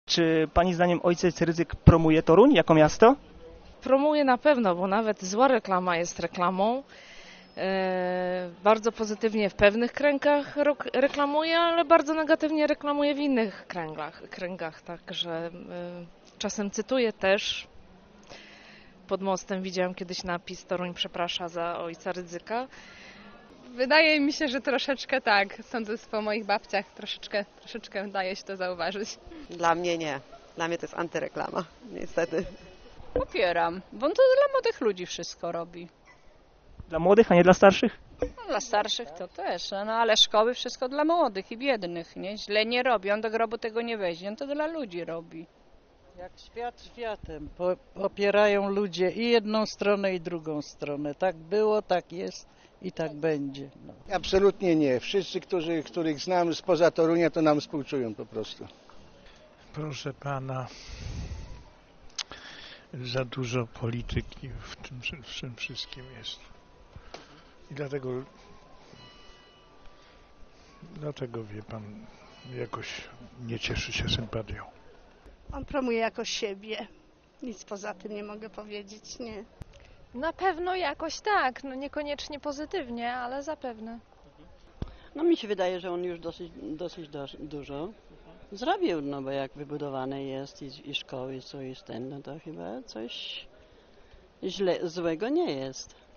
Czy pani zdaniem ojciec Rydzyk promuje Toruń jako miasto? Promuje na pewno, bo nawet zła reklama jest reklamą. Bardzo pozytywnie w pewnych kręgach reklamuje, ale bardzo negatywnie reklamuje w innych kręgach. Także czasem cytuję też. Pod mostem widziałam kiedyś napis: Toruń przeprasza za ojca Rydzyka. Wydaje mi się, że troszeczkę tak. Sądząc po moich babciach, troszeczkę daje się to zauważyć. Dla mnie nie. Dla mnie to jest antyreklama, niestety. Popieram, bo on to dla młodych ludzi wszystko robi. Dla młodych, a nie dla starszych? No, dla starszych to też, no ale szkoły wszystko dla młodych i biednych, nie? Źle nie robi, on do grobu tego nie weźmie, on to dla ludzi robi. Jak świat światem, popierają ludzie i jedną stronę i drugą stronę. Tak było, tak jest i tak będzie. No. Absolutnie nie. Wszyscy, których znam spoza Torunia, to nam współczują po prostu. Proszę pana, za dużo polityki w tym wszystkim jest. I dlatego wie pan, jakoś nie cieszy się sympatią. On promuje jakoś siebie. Nic poza tym nie mogę powiedzieć, nie. Na pewno jakoś tak, no niekoniecznie pozytywnie, ale zapewne. No mi się wydaje, że on już dosyć dużo zrobił, no bo jak wybudowane jest i szkoły, co jest ten, no to chyba coś złego nie jest.